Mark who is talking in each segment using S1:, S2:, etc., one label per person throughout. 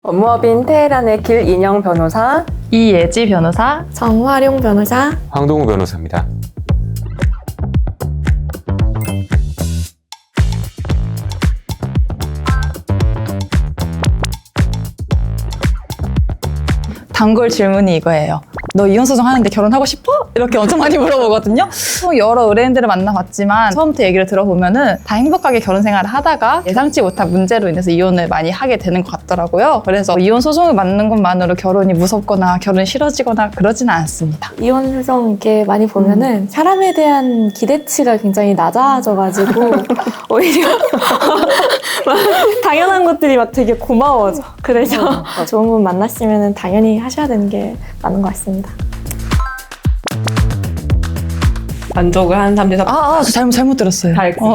S1: 업무업인 테헤란의 길인영 변호사,
S2: 이예지 변호사,
S3: 정화룡 변호사,
S4: 황동우 변호사입니다.
S2: 단골 질문이 이거예요. 너 이혼소송 하는데 결혼하고 싶어? 이렇게 엄청 많이 물어보거든요. 여러 의뢰인들을 만나봤지만 처음부터 얘기를 들어보면은 다 행복하게 결혼 생활을 하다가 예상치 못한 문제로 인해서 이혼을 많이 하게 되는 것 같더라고요. 그래서 이혼 소송을 맡는 것만으로 결혼이 무섭거나 결혼이 싫어지거나 그러지는 않습니다.
S3: 이혼 소송 이렇게 많이 보면은 사람에 대한 기대치가 굉장히 낮아져가지고 오히려 당연한 것들이 막 되게 고마워져. 그래서 좋은 분 만났으면 당연히 하셔야 되는 게 맞는 것 같습니다.
S1: 만족을 하는 사람들이
S2: 저 잘못 들었어요.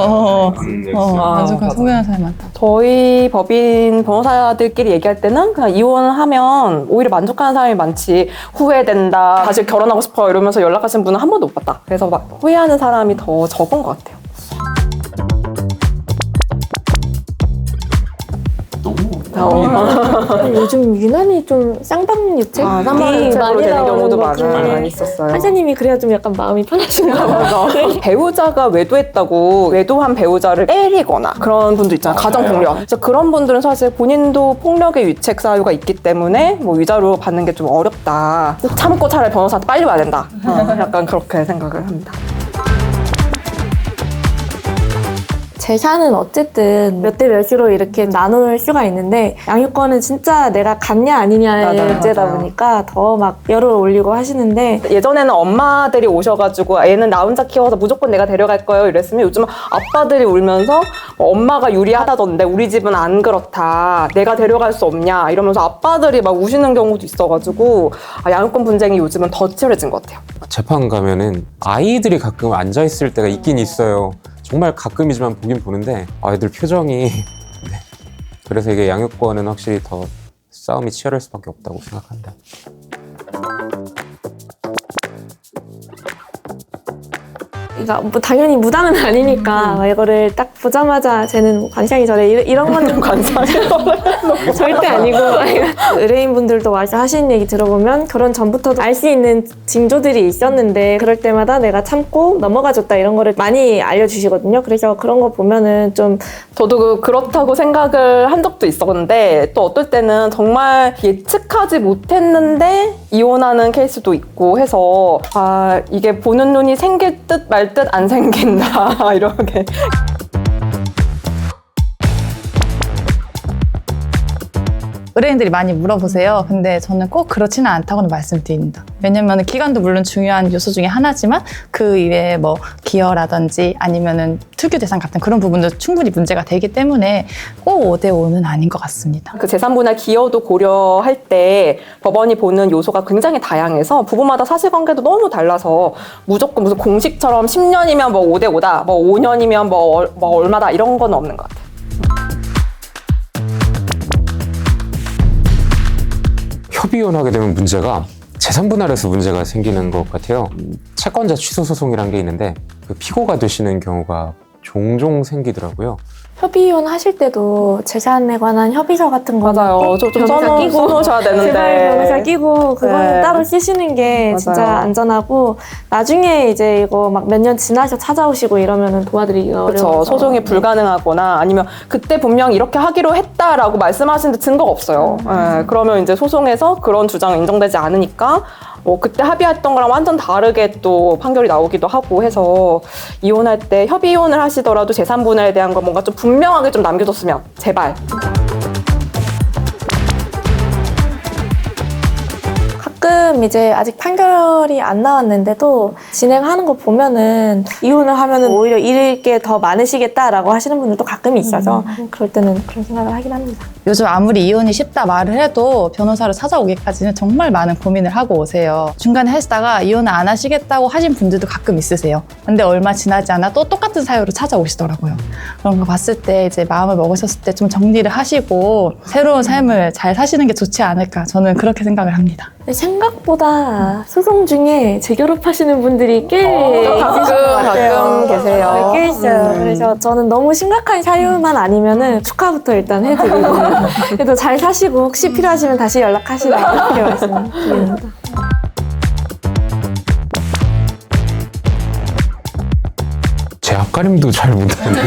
S2: 만족한 소개하는 사람이 많다.
S1: 저희 법인 변호사들끼리 얘기할 때는 그냥 이혼하면 오히려 만족하는 사람이 많지 후회된다, 다시 결혼하고 싶어 이러면서 연락하신 분은 한 번도 못 봤다. 그래서 막 후회하는 사람이 더 적은 것 같아요.
S3: 요즘 유난히 좀 쌍방유책
S1: 쌍방유책으로 되는 경우도 많이 있었어요.
S3: 판사님이 그래야 좀 약간 마음이 편하신가 봐요.
S1: 배우자가 외도했다고 외도한 배우자를 때리거나 그런 분도 있잖아요. 가정폭력. 그래서 그런 분들은 사실 본인도 폭력의 유책 사유가 있기 때문에 뭐 위자료 받는 게 좀 어렵다. 참고 차라리 변호사한테 빨리 와야 된다. 약간 그렇게 생각을 합니다.
S3: 재산은 어쨌든 몇 대 몇으로 이렇게 나눌 수가 있는데 양육권은 진짜 내가 갖냐 아니냐의 문제다 보니까 더 막 열을 올리고 하시는데
S1: 예전에는 엄마들이 오셔가지고 애는 나 혼자 키워서 무조건 내가 데려갈 거예요 이랬으면 요즘은 아빠들이 울면서 엄마가 유리하다던데 우리 집은 안 그렇다, 내가 데려갈 수 없냐 이러면서 아빠들이 막 우시는 경우도 있어가지고 양육권 분쟁이 요즘은 더 치열해진 것 같아요.
S4: 재판 가면은 아이들이 가끔 앉아있을 때가 있긴 있어요. 정말 가끔이지만 보긴 보는데 아이들 표정이 네. 그래서 이게 양육권은 확실히 더 싸움이 치열할 수밖에 없다고 생각합니다.
S3: 그러니까 뭐 당연히 무당은 아니니까 이거를 딱 보자마자 쟤는 관상이 저래 이런 거는 관상이 절대 아니고 의뢰인분들도 와서 하시는 얘기 들어보면 결혼 전부터도 알 수 있는 징조들이 있었는데 그럴 때마다 내가 참고 넘어가줬다 이런 거를 많이 알려주시거든요. 그래서 그런 거 보면은 좀
S1: 저도 그렇다고 생각을 한 적도 있었는데 또 어떨 때는 정말 예측하지 못했는데 이혼하는 케이스도 있고 해서 이게 보는 눈이 생길 듯 말 듯 안 생긴다 이렇게.
S2: 의뢰인들이 많이 물어보세요. 근데 저는 꼭 그렇지는 않다고는 말씀드립니다. 왜냐면 기간도 물론 중요한 요소 중에 하나지만 그 이외에 뭐 기여라든지 아니면은 특유 대상 같은 그런 부분도 충분히 문제가 되기 때문에 꼭 5대5는 아닌 것 같습니다.
S1: 그 재산분할 기여도 고려할 때 법원이 보는 요소가 굉장히 다양해서 부부마다 사실관계도 너무 달라서 무조건 무슨 공식처럼 10년이면 뭐 5대5다, 뭐 5년이면 뭐 얼마다 이런 건 없는 것 같아요.
S4: 협의혼하게 되면 문제가 재산분할에서 문제가 생기는 것 같아요. 채권자 취소 소송이라는 게 있는데 그 피고가 되시는 경우가 종종 생기더라고요.
S3: 협의혼 하실 때도 재산에 관한 협의서 같은 거
S1: 맞아요. 좀 써놓으셔야 되는데.
S3: 제발 변호사 끼고 그거는
S1: 네.
S3: 따로 쓰시는 게
S1: 맞아요.
S3: 진짜 안전하고 나중에 이제 이거 막 몇 년 지나서 찾아오시고 이러면은 도와드리기가
S1: 그렇죠.
S3: 어려워서
S1: 소송이 불가능하거나 아니면 그때 분명 이렇게 하기로 했다라고 말씀하시는데 증거가 없어요. 네, 그러면 이제 소송에서 그런 주장은 인정되지 않으니까 그때 합의했던 거랑 완전 다르게 또 판결이 나오기도 하고 해서 이혼할 때 협의 이혼을 하시더라도 재산 분할에 대한 거 뭔가 좀 분명하게 좀 남겨줬으면 제발.
S3: 가끔 이제 아직 판결이 안 나왔는데도 진행하는 거 보면은 이혼을 하면은 오히려 잃을 게 더 많으시겠다라고 하시는 분들도 가끔 있어서 그럴 때는 그런 생각을 하긴 합니다.
S2: 요즘 아무리 이혼이 쉽다 말을 해도 변호사를 찾아오기까지는 정말 많은 고민을 하고 오세요. 중간에 하시다가 이혼을 안 하시겠다고 하신 분들도 가끔 있으세요. 근데 얼마 지나지 않아 또 똑같은 사유로 찾아오시더라고요. 그런 거 봤을 때 이제 마음을 먹으셨을 때 좀 정리를 하시고 새로운 삶을 잘 사시는 게 좋지 않을까 저는 그렇게 생각을 합니다.
S3: 생각보다 소송 중에 재결합하시는 분들이 꽤
S1: 가끔 계세요.
S3: 꽤 있어요. 그래서 저는 너무 심각한 사유만 아니면은 축하부터 일단 해드리고 그래도 잘 사시고 혹시 필요하시면 다시 연락하시라 이렇게 말씀드립니다.
S4: 제 앞가림도 잘 못하는데.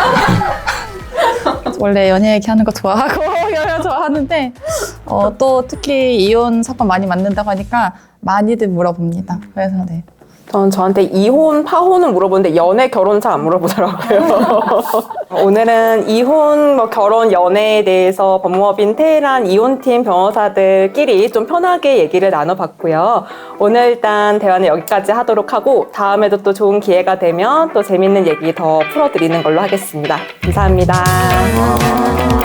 S2: 원래 연애 얘기하는 거 좋아하고 연애 좋아하는데 또 특히 이혼 사건 많이 만난다고 하니까 많이들 물어봅니다. 그래서 네.
S1: 전 저한테 이혼, 파혼은 물어보는데 연애, 결혼 잘 안 물어보더라고요. 오늘은 이혼, 결혼, 연애에 대해서 법무법인 테헤란 이혼팀 변호사들끼리 좀 편하게 얘기를 나눠봤고요. 오늘 일단 대화는 여기까지 하도록 하고 다음에도 또 좋은 기회가 되면 또 재밌는 얘기 더 풀어드리는 걸로 하겠습니다. 감사합니다.